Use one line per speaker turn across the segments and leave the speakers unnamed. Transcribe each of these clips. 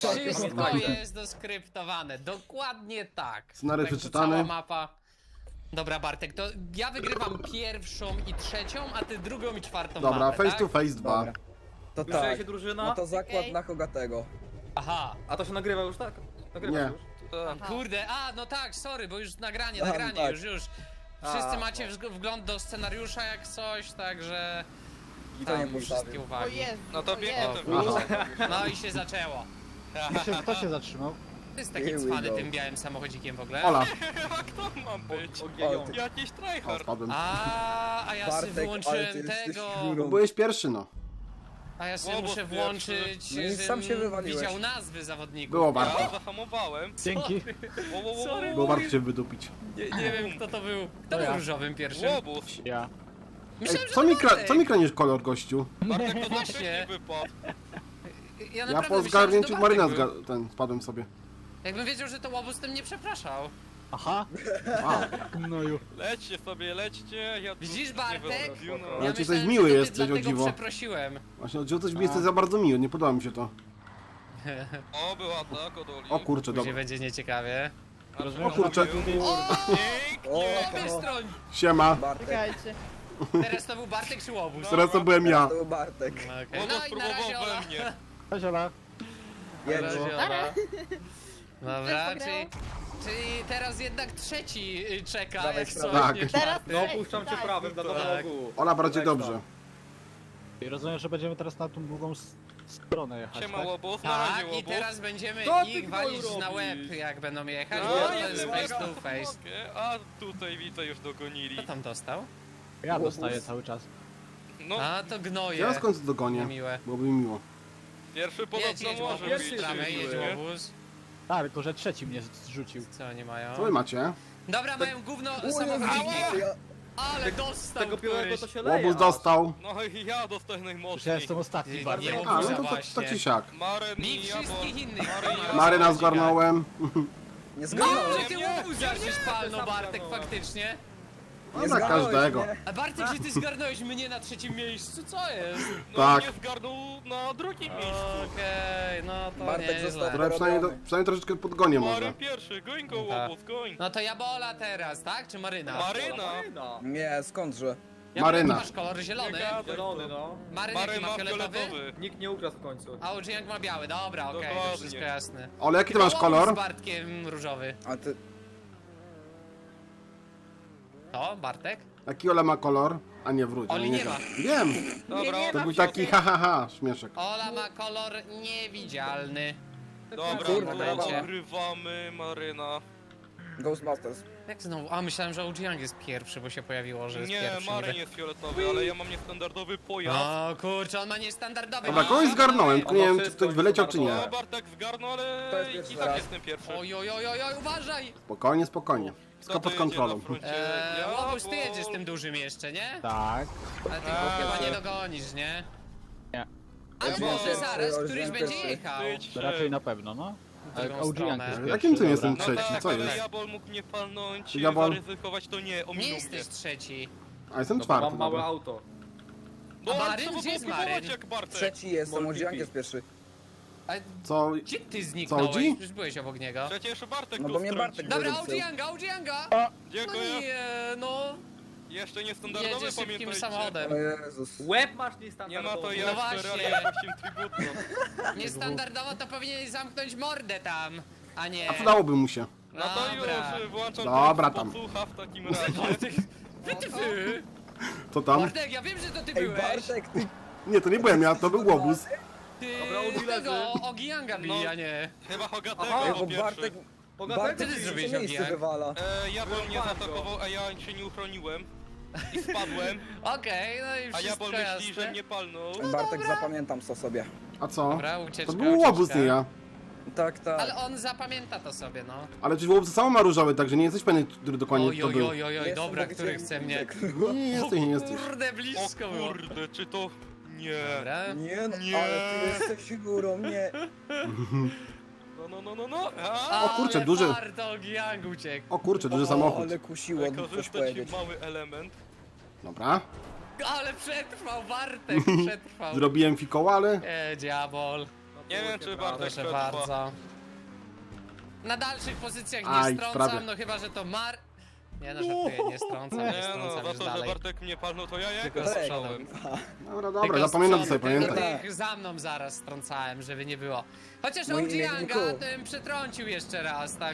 Wszystko jest doskryptowane, dokładnie tak.
Scenariusz
Tak, to
przeczytany.
cała mapa. Dobra, Bartek, to ja wygrywam pierwszą i trzecią, a ty drugą i czwartą
Dobra,
mapę,
face
tak?
to face 2.
Dobra. To
Już
tak.
się drużyna?
No to zakład
Okej.
na Hogatego.
Aha.
A to się nagrywa już, tak? Nagrywa
Nie.
już.
Kurde, no tak, sorry, bo już nagranie,
Aha, tak.
już. Wszyscy
A,
macie wgląd do scenariusza jak coś, także...
I to nie
Tam wszystkie
postawił.
O
uwagi.
Jezu,
No to
o
biegnę
Jezu.
to
No i się zaczęło.
Kto się zatrzymał?
To jest taki
Here we
cwany
go.
tym białym samochodzikiem w ogóle.
Ola.
A kto ma być?
Ogienią.
Jakiś
O,
tryhard.
spadłem.
A ja sobie
Bartek, ale
wyłączyłem
ty jesteś
tego.
górą.
Byłeś pierwszy, no.
A ja sobie
Łobuz
muszę
pierwszy.
włączyć,
No i sam się
żebym
wywaliłeś.
widział nazwy zawodników.
Było
Ja
warto.
zahamowałem.
Dzięki.
Sorry.
Było warto się wydupić.
Nie wiem kto to był. Kto
To
był
ja.
różowym pierwszym?
Łobuz.
Ja.
Ej,
Myślałem, że
co
to
mi,
Bartek.
co mi kranisz kolor, gościu?
Bartek to
Właśnie.
wcześniej wypadł.
Ja
Ja
naprawdę
po
myślałem, że
zgarnięciu
to
Maryna
Bartek był.
spadłem sobie.
Jakbym wiedział, że to łobuz, tym nie przepraszał.
Aha.
A,
Gnoju.
Lećcie sobie, lećcie. Ja tu
Widzisz,
nie
Bartek?
wyobraziłem, no.
Ale ci
myślałem,
coś miły
że to
jesteś,
dlatego
o dziwo.
przeprosiłem.
właśnie o dziwo coś mi jesteś za bardzo miły, nie podoba mi się to.
O, była tak, od Oli.
O kurczę,
Później
dobra.
będzie nieciekawie.
O kurczę.
Pięknie.
O,
Wystroń!
Siema.
Bartek.
Czekajcie.
Teraz to był Bartek czy łobuz?
Teraz to byłem ja.
To był Bartek.
Okej.
Łobuz
No i na razie
próbował
Ola.
we mnie.
Cześć Ola.
Na
Jedno.
razie Ola. Dobra,
Też
czyli teraz jednak trzeci czeka,
Dawaj,
jak coś,
tak.
nie
Teraz
czwarty.
No puszczam cię
tak.
prawym dla nowego
Tak.
ogółu.
Ola, bardziej
Tak,
dobrze.
I rozumiem, że będziemy teraz na tą drugą stronę jechać,
Siema
tak?
Łobuz, na razie
Tak, i
Łobuz.
teraz będziemy
Co ty
ich
gnoju
walić na łeb,
robisz?
jak będą jechać,
A,
bo to
ja
jest
nie
face
mogę.
to face.
A tutaj widzę już dogonili.
Kto tam dostał?
Ja dostaję cały czas.
No,
A, to gnoje.
Ja w końcu dogonię.
Miłe.
Byłoby mi miło.
pierwszy
Jedź,
podobno
jedź
może
łobuz,
pierwszy
być.
tramę,
się
jedź
miły.
łobuz.
Tak, tylko że trzeci mnie zrzucił.
Co oni mają?
Co wy macie?
Dobra, mają gówno
O,
samochodziki.
ja-
Ale dostał
Tego białego
któryś.
to się leje.
Łobuz
aż.
dostał.
No i ja dostaję
Przecież ja
najmocniej.
jestem ostatni
Nie,
bardzo.
nie
A, no to, to
właśnie.
tak czy siak.
Maren
Mi
i Jabol.
wszystkich innych.
Maryna zgarnąłem.
Nie
No,
zgarnąłem.
ty
Nie,
łobuza żeś palnął,
sam
Bartek,
zgarnąłem.
faktycznie.
No dla każdego.
A Bartek, że ty zgarnąłeś mnie na trzecim miejscu, co jest?
No
Tak.
mnie zgarnął na drugim miejscu.
Okej, no to
Bartek
nieźle.
został-
Dobra, przynajmniej troszeczkę podgonię może.
Maren pierwszy, goń go
Tak.
Łobuz, goń.
No to Jabola teraz, tak? Czy Maryna?
Maryna.
Maryna.
Nie, skądże?
Jabola,
Maryna.
ty masz kolor zielony.
Zielony, no.
Maryn jaki
Maren
ma
ma
fioletowy?
fioletowy.
Nikt nie ukradł w końcu.
A Ujiang ma biały, dobra, okej, to
Dokładnie.
wszystko jasne.
Ole, jaki ty masz
Łobuz
kolor?
z Bartkiem różowy.
A ty...
To, Bartek?
Jaki Ola ma kolor? A nie, wróć.
Oli
ale
nie ma.
Wiem.
Dobra,
To
Ola,
był taki ha ha ha śmieszek.
Ola ma kolor niewidzialny.
Dobra,
Kurwa,
to
brawa.
ogrywamy Maryna.
Ghostbusters.
Jak znowu? A, myślałem, że Ujiang jest pierwszy, bo się pojawiło, że jest
Nie,
pierwszy.
Maryn
niby.
jest fioletowy, ale ja mam niestandardowy pojazd.
O kurczę, on ma niestandardowy.
Dobra, kogoś zgarnąłem, tylko nie wiem, czy ktoś wyleciał, czy nie.
O, Bartek zgarnął,
To
ale
jest
i
pierwszy
tak
raz.
jestem pierwszy.
Oj, oj, oj, oj, oj, uważaj!
Spokojnie, spokojnie. Wszystko
Kto
pod
to jedzie
kontrolą.
na froncie?
Łobuz, ty
Jabol.
jedziesz tym dużym jeszcze, nie?
Tak.
Ale ty go chyba nie dogonisz, nie?
Nie.
Ale
Ja
może
pierwszy,
zaraz
Ujiang
któryś będzie
pierwszy.
jechał.
Ty,
To raczej na pewno, no.
W drugą
Audi
stronę.
jest
Ale
pierwszy,
jakim tym
dobra.
jestem
No
trzeci?
tak,
Co
ale
jest?
Jabol mógł mnie palnąć,
Jabol.
zaryzykować, to nie,
Nie
ominął mnie.
jesteś trzeci.
A jestem
No,
czwarty,
mam małe
dobra.
auto.
Bo
A
on
Maryn?
trzeba
Gdzie jest
było próbować
Maryn?
jak Bartek.
Trzeci jestem,
Multipi.
Ujiang jest pierwszy.
A
Co?
gdzie ty zniknąłeś?
Audi?
Już byłeś obok niego.
Przecież Bartek
No
go
bo mnie
wtrącił.
Bartek
Dobra,
wyrzucił.
Ujianga! No
Dziękuję.
nie, no.
Jeszcze niestandardowy,
Jedzie szybkim
pamiętajcie.
samochodem.
O Jezus.
Łeb masz
Nie
niestandardowy.
ma to
No
jak
właśnie.
Ferrari jakimś tributno.
Niestandardowo to powinieneś zamknąć mordę tam, a nie.
A przydałoby mu się.
No to
Dobra.
już włączam
Dobra,
tryb
tam.
podsłucha w takim razie.
Bartek, wy.
Co tam?
Bartek, ja wiem, że to ty
Ej,
byłeś.
Bartek, ty...
Nie, to nie byłem ja, to był łobuz.
Ty
Dobra, Audi
tego
leży.
Ogianga bili,
No.
a nie.
Chyba Hogatego
Aha,
Ej,
po
bo
pierwszy.
Bartek...
Bogatego
Bartek
ty
w
zrobiłeś,
trzecie miejsce
Ogiang?
wywala.
Jabol mnie
Bardzo.
zaatakował, a ja się nie uchroniłem. I spadłem,
Okej, no i
a
wszystko
Jabol myśli,
jasne.
że mnie palnął.
Bartek, zapamiętam to sobie.
A co?
Dobra, ucieczka,
To był łobuz,
ucieczka.
nie ja.
Tak, tak.
Ale on zapamięta to sobie, no.
Ale przecież łobuz samo ma różowy, także nie jesteś pewny, który dokładnie
Oj,
to
oj,
był.
oj, oj, oj,
Jestem,
dobra,
bo
który
widziałem
chce mnie.
Bartek.
Nie jesteś, nie jesteś.
Kurde,
O
blisko było.
kurde, czy to... Nie.
Dobra.
Nie no,
Nie.
ale ty jesteś górą, nie.
No.
O kurczę,
Ale
duży.
Warto, Ogiang uciekł.
O kurczę, duży samochód.
Ale kusiło, coś
Wykorzystać
powiedzieć.
mały element.
Dobra.
Ale przetrwał, Bartek przetrwał.
Zrobiłem fikoła, ale...
Diabol.
Nie wiem, czy Bartek
Proszę
przetrwa.
bardzo. Na dalszych pozycjach nie
Aj,
strącam,
prawie.
no chyba, że to Nie no, żartuję, nie strącam, nie
Nie no,
strącam
za
już
to, że
dalej.
Bartek mnie palnął, to ja
Tylko
jego
z
strzałem.
Dobra,
Tylko
dobra,
z
zapamiętam
przodu,
sobie,
tylko
pamiętaj.
tych za mną zaraz strącałem, żeby nie było. Chociaż
Mój
OG Yanga
imienniku.
tym przetrącił jeszcze raz, tak?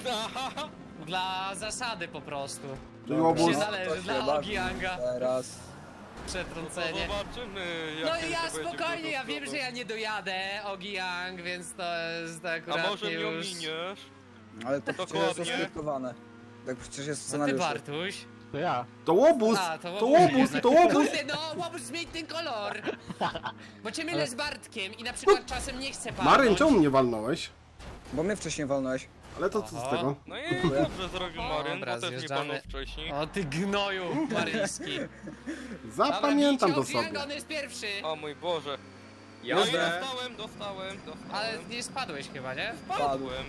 Dla zasady po prostu.
Czyli łobuz.
Się zależy,
to się
dla
bawi.
OG Yanga
Teraz.
przetrącenie.
Zobaczymy,
No
jak
i ja
to będzie
spokojnie, ja wiem,
wyglądało.
że ja nie dojadę OG Yang, więc to jest
A
akurat
może mnie
już...
ominiesz?
Ale to przecież
Dokładnie.
jest oskryptowane. Tak przecież jest w
No ty
scenariuszu.
Bartuś.
To ja.
To łobuz!
A,
To łobuz,
jednak.
to łobuz!
Kurde, no, łobuz zmień ten kolor. Bo cię mylę z Bartkiem i na przykład czasem nie chcę palnąć.
Maryn, czemu mnie walnąłeś?
Bo mnie wcześniej walnąłeś.
Ale to co z
Oho.
tego?
No i dobrze zrobił Maryn,
Dobra,
bo też nie
zjeżdżamy.
palnął wcześniej.
O ty gnoju maryjski.
Zapamiętam to
Dobra, bijcie OG
sobie.
Yang, on jest pierwszy.
O mój Boże. No i
Jadę.
dostałem.
Ale nie spadłeś chyba, nie?
Padłem.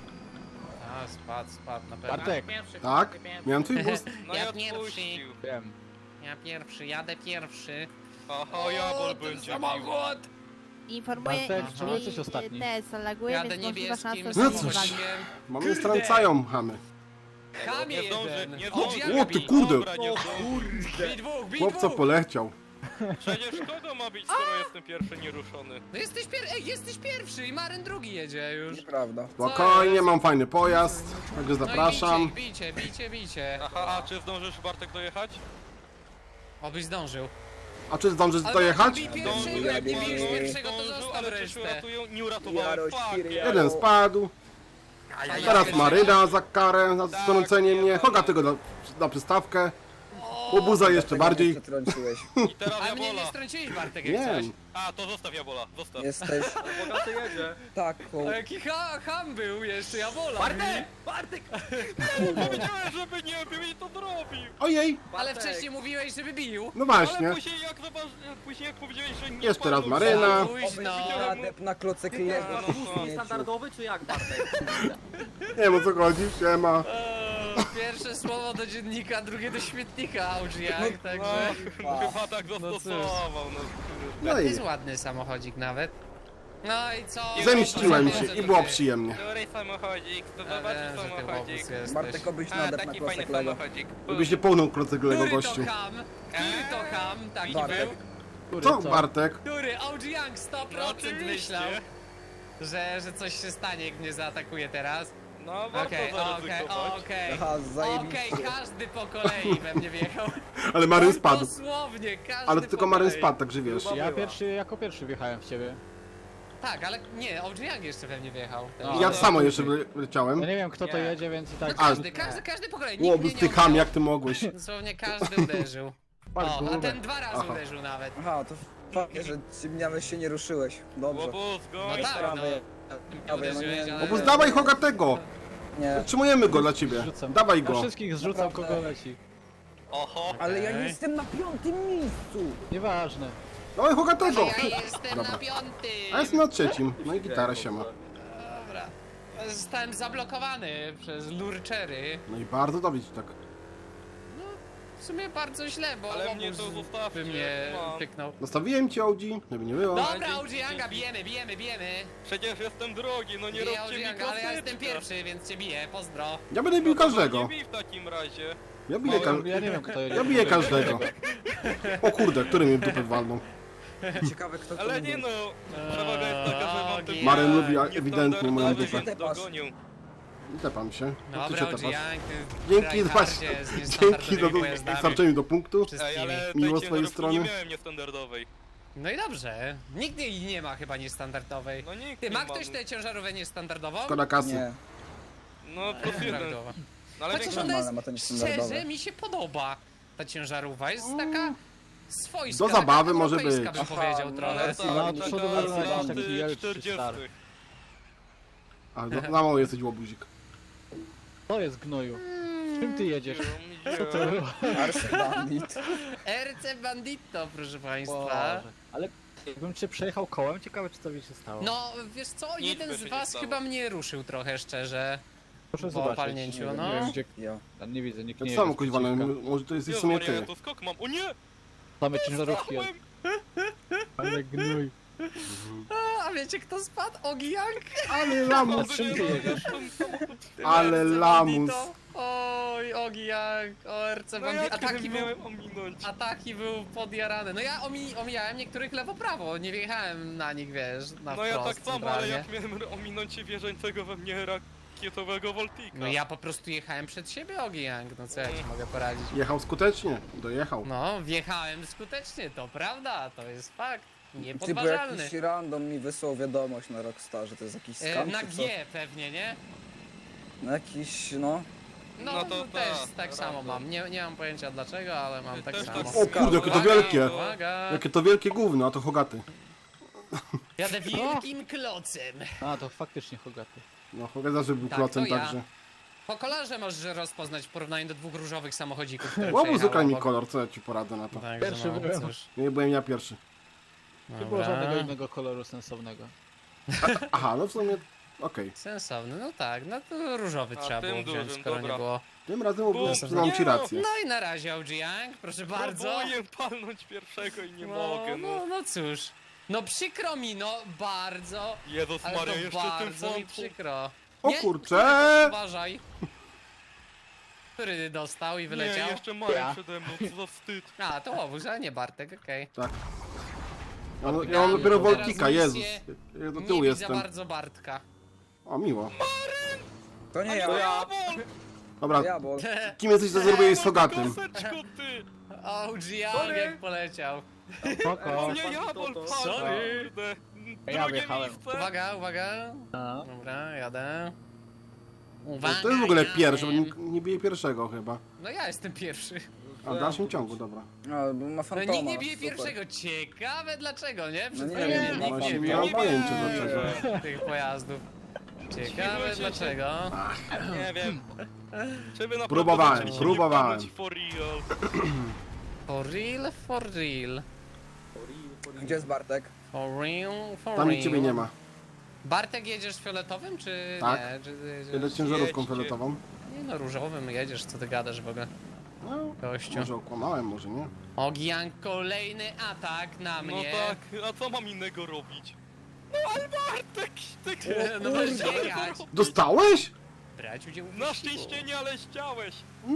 A, spadł na pewno.
Bartek,
Tak? Miałem twój boost.
No
Ja
ja
pierwszy.
odpuścił.
wiem.
Ja pierwszy, jadę pierwszy.
Aha, Jabol
ten
będzie bił.
samochód!
Informuję,
Bartek,
iż
czemu
mi
jesteś ostatni?
TS laguje,
Jadę
więc możliwa szansa,
niebieskim
że
No
mnie
cóż.
wali.
samochodem.
Mamy strącają chamy.
Chamie
Nie zdąży,
jeden!
nie
OG
zdąży.
Yanga
O ty
bij.
kurde!
Dobra, nie zdąży.
Bij dwóch, bij
Chłopca
dwóch!
poleciał.
Przecież kogo ma być, skoro jestem pierwszy nieruszony?
No jesteś pierwszy i Maryn drugi jedzie już.
Nieprawda.
Spokojnie, mam fajny pojazd. Także
No
zapraszam.
i bicie.
Aha, a czy zdążysz Bartek dojechać?
Obyś zdążył.
A czy zdążysz
Ale
dojechać?
bij pierwszego, jak nie bijesz
Zdążył,
pierwszego, to
Zdążył,
zostaw
ale czy się
resztę.
uratują? Nie uratowałem,
Jaroś,
fuck.
Kiri,
Jeden spadł. Teraz Maryna za karę, za strącenie mnie. Hoga tego na przystawkę. Łobuza jeszcze bardziej.
Przetrąciłeś.
I teraz
A mnie nie
Jabola.
strąciłeś, Bartek, jak
Nie,
coś.
A, to zostaw Jabola, zostaw.
Jesteś
Bogaty jedzie.
taką...
A jaki ham był jeszcze, ja wolę.
Bartek!
Powiedziałem, żeby nie bił i to zrobił.
ojej,
Ale wcześniej mówiłeś, żeby bił.
no właśnie.
Ale później jak powiedziałeś, że nie
Jeszcze raz
palnął,
Maryna.
Późno.
Adep na klocek lewo.
No, no.
Niestandardowy czy jak, Bartek?
Nie wiem o co chodzi, siema.
Pierwsze słowo do dziennika, drugie do śmietnika, Augiak, także...
No, chyba tak zastosował, no kurde.
No
To
i
jest ładny samochodzik nawet. No i co?
zemściłem się
Że
i
to
było
ty.
przyjemnie.
Który samochodzik, to
Ja
zobaczysz
wiem, że ty
samochodzik.
łobuz jesteś.
Bartek obyś na
A,
adep na
taki fajny
klocek lewo.
samochodzik.
Gdybyś nie połnął kroceglego
Który
gościu.
to ham? Który to ham? Taki
Bartek.
był?
Który,
Co Bartek?
Który? OG Young 100%
No, oczywiście.
myślał, że coś się stanie, jak mnie zaatakuje teraz.
No, warto
Okej,
zaryzykować.
okej.
Aha, zajebiście.
Okej, każdy po kolei we mnie wjechał.
Ale Maryn spadł.
Dosłownie, każdy
Ale
po
tylko Maryn
kolei.
spadł, także wiesz.
Ja jako pierwszy wjechałem w ciebie.
Tak, ale nie, OG Young jeszcze we mnie wjechał.
No.
Ja samo jeszcze leciałem.
Ja nie wiem kto to
Nie.
jedzie, więc i tak...
No każdy po kolei, nikt
Łobuz,
mnie
ty
nie
ham,
odjął.
jak ty mogłeś.
Dosłownie każdy uderzył.
Patrz,
O, a
gumę.
ten 2 razy
Aha.
uderzył nawet.
Aha, to fajnie, że nawet się nie ruszyłeś. Dobrze.
Łobuz,
No
goń.
tak, no.
Prawie.
Nie uderzyłeś,
nie,
ale...
Łobuz, dawaj Hoga tego!
Nie.
Zatrzymujemy go dla ciebie.
Zrzucam.
Dawaj
Na
go.
wszystkich zrzucam
Naprawdę.
kogo leci.
Oho.
Ale ja
Okej.
jestem na 5. miejscu.
Nieważne.
Dawaj Hoga tego!
Ja jestem
Dobra.
na 5.
A ja jestem na 3. No i gitara się ma.
Dobra. Zostałem zablokowany przez lurczery.
No i bardzo dobrze tak.
W sumie bardzo źle, bo
Ale mnie to
łobuz
zostawcie,
by mnie
mam.
pyknął.
Nastawiłem cię Audi, żeby nie było.
Dobra,
dzięki,
OG Yanga,
dzięki.
bijemy.
Przecież jestem drogi, no nie
Biję
róbcie
OG
mi
Yanga, ale ja jestem
klasyczka.
pierwszy, więc cię biję, pozdro.
Ja będę bił
No to
każdego.
Nie bij w takim razie.
Ja biję,
Ja nie wiem kto jedzie.
ja biję każdego. O kurde, który mnie w dupę walnął.
Ciekawe kto to
Ale nie no, przewaga jest taka, że mam ten
Maryn lubi
niestandardowy,
ewidentnie moją
więc
dupę.
dogonię.
I tepam się. No ty
Dobra,
się
OG
tepasz.
Young,
Dzięki
tryhardzie z
Dzięki
niestandardowymi
za
pojazdami
dostarczeniu do punktu.
Ej,
wszystkimi.
ale
Miło
tej
z twojej
ciężarówki
strony.
nie miałem niestandardowej.
No i dobrze, nikt jej nie ma chyba niestandardowej.
No nikt
Ty,
nie
ma ktoś tę ciężarówkę niestandardową?
Szkoda kasy.
Nie.
No plus jeden.
Standardowa.
No ale
Chociaż
większość...
ona
Normalne, ma to
jest,
niestandardowe.
szczerze, mi się podoba ta ciężarówka, jest taka swojska.
Do zabawy
taka
może
europejska,
być.
bym powiedział
Aha,
trochę.
Ale
No,
tak,
no,
taka
przodu
z
wygląda
lat
taki jelczy
40.
stary.
A za mało jesteś łobuzik.
To jest gnoju. Czym ty jedziesz?
Co
To było?
Arse Bandit.
RC Bandito, proszę państwa.
Boże. Ale jakbym cię przejechał kołem, ciekawe czy to by się stało.
No, wiesz co,
Nic
jeden
by
z
się nie
was
stało.
chyba mnie ruszył trochę, szczerze.
Proszę
po
zobaczyć.
palnięciu,
nie wiem,
no.
Nie wiem gdzie...
Ja.
Ja nie widzę, nikt
To
nie
samo
jedzie z
kuźwa, no,
przeciwka.
może to jest w
Jezu
sumie
Maria,
ty.
ja tu skok mam. O nie!
Same ciężarówki.
Stałem!
Ale gnój.
A wiecie kto spadł? Ogi Young?
Ale lamus,
czym ty jedziesz?
ale lamus.
Oj, Ogi Young, ORC
No
Bandito.
jak
Ataki był...
miałem ominąć?
Ataki był podjarany. No ja omijałem niektórych lewo-prawo, nie wjechałem na nich, wiesz, na
No ja
wprost
tak samo, ale
centralnie.
jak miałem ominąć wierzącego we mnie rakietowego Voltika.
No ja po prostu jechałem przed siebie, Ogi Young, no co ja ci mogę poradzić?
Jechał skutecznie, dojechał.
No, wjechałem skutecznie, to prawda, to jest fakt.
Ty, bo
Niepodważalny.
jakiś random mi wysłał wiadomość na Rockstarze, to jest jakiś skam
Na
czy co?
G pewnie, nie?
No jakiś, no...
No,
No to
też
tak,
tak samo
random.
mam. Nie mam pojęcia dlaczego, ale mam tak
Też
samo.
tak
O kurde, jakie to wielkie.
Uwaga!
Jakie to wielkie gówno, a to Hogaty.
Jadę wielkim klocem.
A, to faktycznie Hogaty.
No Hogat zawsze był
Tak,
klocem
to ja.
także.
Po kolorze możesz rozpoznać w porównaniu do dwóch różowych samochodzików, które
Łobuz
przejechały
ukradł mi
obok.
kolor, co ja ci poradzę na to.
Także
Pierwszy
no,
byłem.
cóż.
Nie byłem ja pierwszy.
Nie było żadnego
Dobra.
innego koloru sensownego.
Aha, no w sumie, okej.
Sensowny, no tak, no to różowy
A,
trzeba
tym
było wziąć,
dużym,
skoro
dobra.
nie było.
Tym razem Łobuz,
Bo-
przyznam ci
nie no.
rację.
No i na razie OG Young, proszę bardzo.
Próbuję palnąć pierwszego i nie mogę, no.
no cóż. No przykro mi, no bardzo.
Jezus
Ale
Maria,
to
jeszcze tym
bardzo mi
frontu.
przykro.
O
Nie,
kurcze!
Uważaj. Który dostał i
Nie,
wyleciał?
jeszcze Maria przede mną, co za wstyd.
A, to Łobuz, ale nie Bartek, okej.
Tak. Ja mam dopiero
Teraz
Voltika, Jezus.
misję
Ja do
Nie
tyłu
widzę
jestem.
bardzo Bartka.
O, miło.
To nie
To
ja,
ja, bol!
Dobra,
ja, bo...
kim jesteś, że zrobiłeś z Hogatym?
Koseczko, ty!
OG Young jak poleciał.
Spoko.
Nie, ja, bol, pal,
Sorry.
kurde.
Ja
Drugie
wjechałem.
miejsce.
Uwaga, uwaga.
A,
Dobra, jadę.
No,
Uwaga,
to jest w ogóle
jadę.
pierwszy, bo nie bije pierwszego chyba.
No ja jestem pierwszy.
A w dalszym ciągu, dobra.
No, bo ma
No
fantoma.
nikt nie bije
super.
pierwszego. Ciekawe dlaczego, nie?
No nie
chwilą
wiem,
nikt
no
nie
Właśnie
bił
nie mam
nie
pojęcia
wiem.
dlaczego.
tych pojazdów. Ciekawe
Dziwię się,
dlaczego.
Nie wiem. Czy wy naprawdę
Próbowałem,
zaczęliście
próbowałem.
mnie for real?
For real, for real.
Gdzie jest Bartek?
For real, for
Tam
real.
i ciebie nie ma.
Bartek jedziesz fioletowym, czy
Tak.
nie? Czy jedziesz...
Jedę ciężarówką
Jedźcie.
fioletową.
Nie no, różowym jedziesz, co ty gadasz w ogóle,
No,
gościu.
może okłamałem, może nie.
Ogian, kolejny atak na
No
mnie.
tak, a co mam innego robić? No ale Bartek, tak
No możesz biegać.
Dostałeś?
Brać udział w
Na
wyścigu.
szczęście nie, ale chciałeś.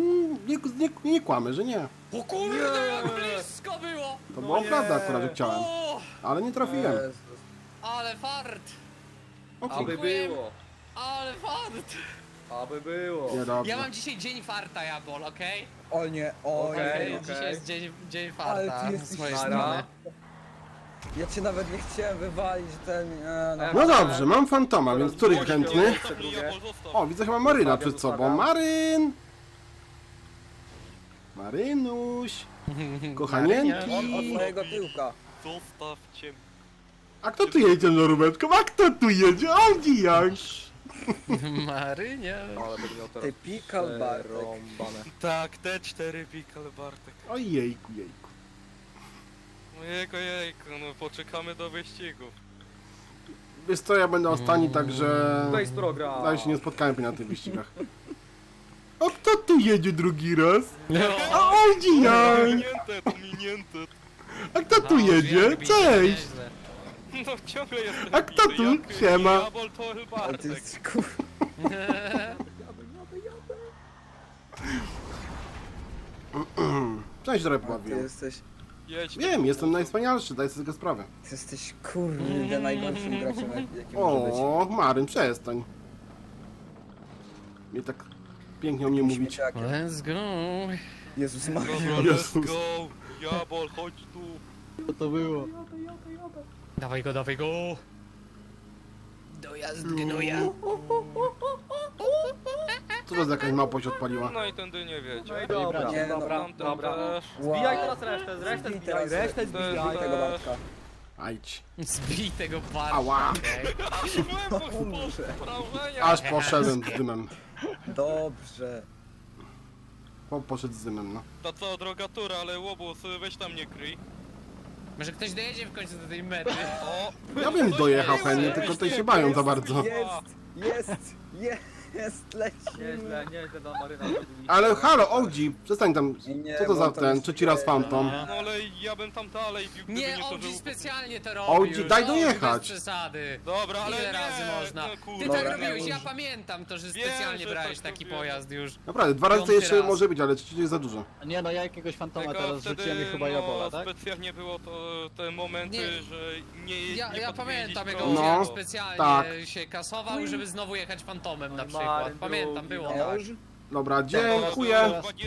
Nie kłamy, że nie.
O kurde, jak blisko było!
To była prawda akurat, że chciałem.
O,
Ale nie trafiłem.
Jezus.
ale fart!
O
Aby
kurde.
było.
Ale fart!
Aby było.
Nie,
Ja
dobrze.
mam dzisiaj dzień farta, Jabol, okej?
O nie, o
Okej,
nie.
Dzisiaj jest dzień
Ale
farta
ty
z
jesteś
mojej
nara.
strony.
Ja cię nawet nie chciałem wywalić, ten...
No dobrze, mam fantoma, więc który
Gościu.
chętny?
Zostaw mi, Jabol, zostaw.
O, widzę chyba Maryna przed sobą.
Zostawiam.
Maryn! Marynuś!
Od
Kochanienki!
mojego tyłka.
Zostawcie mnie.
A kto tu jedzie na rubeczką? A kto tu jedzie? Audi jak?
Marynia.
Ale będę miał teraz
Typical Bartek.
rąbane.
Tak, te 4 pikale Bartek.
Ojejku, jejku.
Jejku, no poczekamy do wyścigu.
Wiesz co, ja będę ostatni, także...
Face program.
Ja się nie spotkałem na tych wyścigach. A kto tu jedzie drugi raz? A Audi jak?
Pominięte.
A kto tu jedzie? Cześć!
No ciągle jestem
A kto
bity,
tu?
jak
Siema.
Jabol to
Ale ty
Bartek.
jesteś kur...
Cześć, Rep
Ty
ławię.
jesteś...
Jedź.
Wiem, jestem najwspanialszy, daj sobie tego sprawę.
Ty jesteś kurde najgorszym graczem, jaki może być.
O, Maryn, przestań. Mnie tak pięknie o mnie mówić.
Śmieciakiem.
Let's go.
Jezus Maria.
Dobra, let's
Jezus.
go. Jabol, chodź tu.
Co to było?
Dawaj go, dawaj go. Dojazd gnoja.
Co to za jakaś małpa się odpaliła?
No i tędy nie wiecie.
No i dobra,
Nie, no,
dobra,
Tamten
dobra.
też.
Wow.
Zbijaj teraz resztę
Zbij
zbijaj,
teraz
resztę zbijaj.
tego Bartka.
Ajdź.
Zbij tego barka.
Ała.
okej.
Byłem po wrażenia.
Aż poszedłem z dymem.
Dobrze.
Poszedł z dymem, no.
To co, droga tura, ale łobuz, weź tam nie kryj.
Może ktoś dojedzie w końcu do tej mety.
O!
Ja bym
coś
dojechał
jest,
chętnie,
weź
tylko tutaj
nie
się bają
kryj.
za bardzo.
Jest! Jest, leci.
Nieźle, nieźle dla Maryna zrobili.
Ale halo, Oldzi, przestań tam,
Nie,
co to
bo
za
to
ten,
jest-
trzeci raz Phantom?
No ale ja bym tam dalej bił, gdyby
Nie,
nie to, że...
Oldzi specjalnie to robił.
Oldzi, daj
Oldzi,
dojechać.
bez przesady.
Dobra, ale
Ile
nie,
razy można?
no
Ty
kurde.
tak
Dobra,
robiłeś,
już.
ja pamiętam to, że
Wiem,
specjalnie
że
brałeś
tak
taki
robiłem.
pojazd już.
Naprawdę, 2 razy to
Piąty
jeszcze
raz.
może być, ale 3 jest za dużo.
Nie no, ja jakiegoś fantoma
Tylko
teraz
wtedy,
rzuciłem i chyba Jabola, tak?
specjalnie było to te momenty,
Nie.
że nie
Ja
podpowiedzieć
pamiętam jego
prosto.
No,
jak specjalnie
tak.
się kasował, żeby znowu jechać fantomem na
Maryn
przykład.
drugi,
Pamiętam, było
no.
tak.
Już?
Dobra, dziękuję.
Chyba